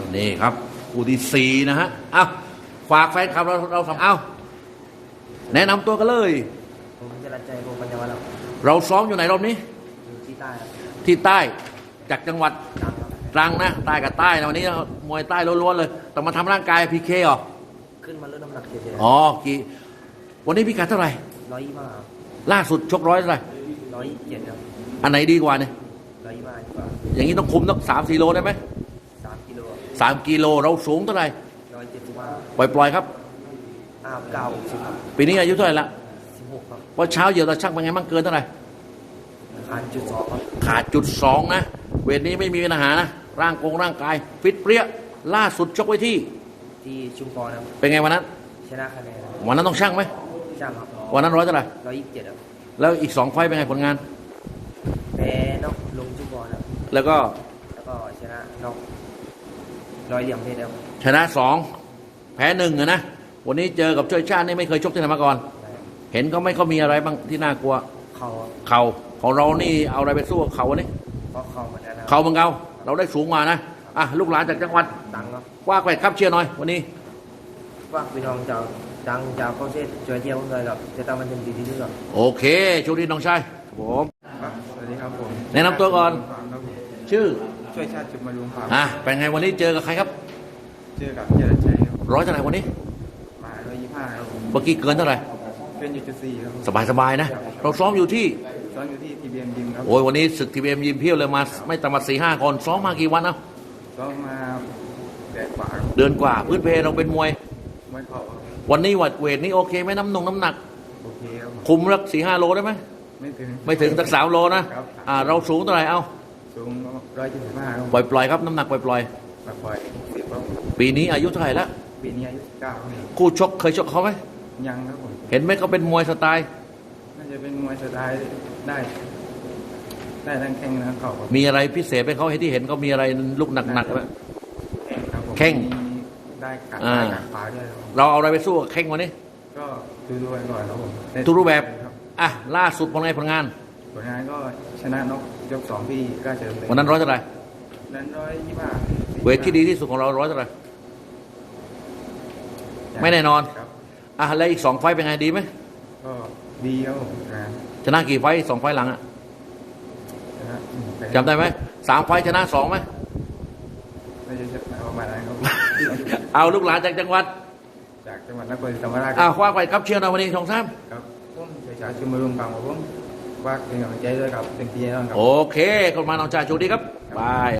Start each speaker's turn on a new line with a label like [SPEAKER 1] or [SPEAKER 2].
[SPEAKER 1] นี่ครับคู่ที่สี่นะฮะเอาฝากแฟนคลับเราทำเอาแนะนำตัวกันเลย
[SPEAKER 2] ผมจะรัดใจวงปัญญาวัฒน์ครับ
[SPEAKER 1] เราซ้อมอยู่ไหนรอบนี้
[SPEAKER 2] อยู่ที่ใต้ครับ
[SPEAKER 1] ที่ใต้จากจังหวัด
[SPEAKER 2] ดังครับ
[SPEAKER 1] ตรังนะใต้กับใต้นะวันนี้มวยใต้ล้วนๆเลยต้องมาทำร่างกายพีเคเหรอ
[SPEAKER 2] ขึ้นมาลดน้ำหนักเฉย
[SPEAKER 1] อ๋อกี่วันนี้พิกัดเท่าไหร่
[SPEAKER 2] ๆ125
[SPEAKER 1] ล่าสุดชกร้อยเท่าไหร่
[SPEAKER 2] 127ครับ
[SPEAKER 1] อันไหนดีกว่าเนี่ย
[SPEAKER 2] 125ดีกว่า
[SPEAKER 1] อย่างนี้ต้องคุมต้อง3-4 โลได้ไหม
[SPEAKER 2] 3 กิโล
[SPEAKER 1] 3 กิโลเราสูงเท่าไหร่
[SPEAKER 2] 175
[SPEAKER 1] ปล่อยๆครับ
[SPEAKER 2] 59 60ครับ
[SPEAKER 1] ปีนี้อายุเท่าไหร่ละ
[SPEAKER 2] 16ครับ
[SPEAKER 1] ว่าเช้าเหยียบตาช่างเป็นไงบ้างเกินเท่าไหร่
[SPEAKER 2] ขาดจุด2ครับ
[SPEAKER 1] ขาดจุด2นะเวทนี้ไม่มีปัญหานะร่างกายฟิตเปรี้ยล่าสุดชกไว้ที่
[SPEAKER 2] ที่ชุมพรครับ
[SPEAKER 1] เป็นไงวันนั้น
[SPEAKER 2] ชนะคะแนนครับ
[SPEAKER 1] วันนั้นต้องช่างไหม
[SPEAKER 2] ช่างครับ
[SPEAKER 1] วันนั้นร้อยเท่าไหร่
[SPEAKER 2] 127ครับ
[SPEAKER 1] แล้วอีก2 ไฟต์เป็นไงผลงาน
[SPEAKER 2] แพ้นอกลงชุมพรครับ
[SPEAKER 1] แล้วก็
[SPEAKER 2] แล้วก็ชนะนอกร้อยเหลี่ยมเพชรครับ
[SPEAKER 1] ชนะ2แพ้1นะวันนี้เจอกับช่วยชาตินี่ไม่เคยชกที่ไหนมาก่อน เห็นเขาไม่เขามีอะไรบ้างที่น่ากลัว
[SPEAKER 2] เขาครับ
[SPEAKER 1] เข่าของเรานี่เอาอะไรไปสู้กับเขาวันนี้
[SPEAKER 2] เพราะเขาเหมือนกันนะครับ
[SPEAKER 1] เข่าเหมือนเราเราได้สูงมานะอ่ะลูกหลานจากจังหวัด
[SPEAKER 2] ดังครับ
[SPEAKER 1] ว่าแกวดครับเชียร์หน่อยวันนี้
[SPEAKER 2] ฝากพี่น้องจากดังจากเข้าเส้นช่วยเที่ยวผมเลยครับจะทำมันเป็นดีที่สุดครับ
[SPEAKER 1] โอเคโชคดีน้องชายครับผม
[SPEAKER 3] ครับสวัสดีครับผม
[SPEAKER 1] แนะนำตัวก่อน
[SPEAKER 3] ครับผม
[SPEAKER 1] ชื่อ
[SPEAKER 3] ช่วยชาติจุดมารุงครับ
[SPEAKER 1] เป็นไงวันนี้เจอกับใครครับ
[SPEAKER 3] เจอกับเจริญชัยครับ
[SPEAKER 1] ร้อยเท่าไหร่วันนี้
[SPEAKER 3] มา125ครับผม
[SPEAKER 1] เมื่อกี้เกินเท่าไหร่
[SPEAKER 3] เป็นอยู่จุด4ครับผม
[SPEAKER 1] สบายๆนะเราซ้อมอยู่ที่
[SPEAKER 3] ซ้อนอยู่ที่ทีบีเอ็มยิมครับ
[SPEAKER 1] โอ้ยวันนี้ศึกทีเอ็มยิมเพียวเลยมาไม่ต่ำกว่า4-5 คนซ้อมมากี่วันเอ้า
[SPEAKER 3] ซ้อมมา8 กว่าครับ
[SPEAKER 1] เดือนกว่าพื้นเพเราเป็นมวย
[SPEAKER 3] ไม่เข้าครับ
[SPEAKER 1] วันนี้วัดเวทนี่โอเคไหมน้ำหนัก
[SPEAKER 3] โอเคครับผม
[SPEAKER 1] คุมสัก4-5 โลได้ไหม
[SPEAKER 3] ไม่ถึง
[SPEAKER 1] สัก3 โลนะครับ เราสูงเท่าไหร่เอ้า
[SPEAKER 3] สูง175ครับ
[SPEAKER 1] ปล่อยครับน้ำหนักปล่อย
[SPEAKER 3] ปล่อย10ครับ
[SPEAKER 1] ๆปีนี้อายุเท่าไหร่แล้ว
[SPEAKER 3] ปีนี้อายุ19ครับ
[SPEAKER 1] คู่ชกเคยชกเขาไหม
[SPEAKER 3] ยังครับผม
[SPEAKER 1] เห็นไหมเขาเป็นมวยสไตล์
[SPEAKER 3] น่าจะเป็นมวยสไตล์ได้ทั้งแข้งทั้งเข่าครับ
[SPEAKER 1] มีอะไรพิเศษไปเขาให้ที่เห็นเขามีอะไรลูกหนักๆไหม
[SPEAKER 3] แข้งครับผม
[SPEAKER 1] แข้ง
[SPEAKER 3] มีได้กัด
[SPEAKER 1] อ่า
[SPEAKER 3] ได้กัดขวาด้วยครับผม
[SPEAKER 1] เราเอาอะไรไปสู้กับแข้งวันนี้
[SPEAKER 3] ก็ดูไปก่อนครับผม
[SPEAKER 1] ทุกรูปแบบ
[SPEAKER 3] ครับ
[SPEAKER 1] อ่ะล่าสุดผลงาน
[SPEAKER 3] ผลงานก็ชนะนกยก2ที่ราชดำเนิน
[SPEAKER 1] วันนั้นร้อยเท่าไหร่
[SPEAKER 3] นั้น125
[SPEAKER 1] เวทที่ดีที่สุดของเราร้อยเท่าไหร่ไม่แน่นอน
[SPEAKER 3] ครับ
[SPEAKER 1] อ่ะแล้วอีก2 ไฟต์เป็นไงดีไหม
[SPEAKER 3] ก็ดีครับผมงาน
[SPEAKER 1] ชนะกี่ไฟต์2 ไฟต์หลังอ่ะ
[SPEAKER 3] ชนะแต่
[SPEAKER 1] จำได้ไหม3 ไฟต์ชนะ2ไหม
[SPEAKER 3] ไม่ใช่ชนะประมาณนั้นครับ
[SPEAKER 1] เอาลูกหลานจากจังหวัด
[SPEAKER 3] จากจังหวัดนครศรีธรรมราช
[SPEAKER 1] คว้าไปครับเชียร์หน่อยวันนี้ทองซ้
[SPEAKER 3] ครับผมชัยชาชุมรุมกลางของผมฝากเป็นกำลังใจด้วยครับเป็นพี่น้องครับ
[SPEAKER 1] ำโอเคคนมาน้องชายโชคดีครับบาย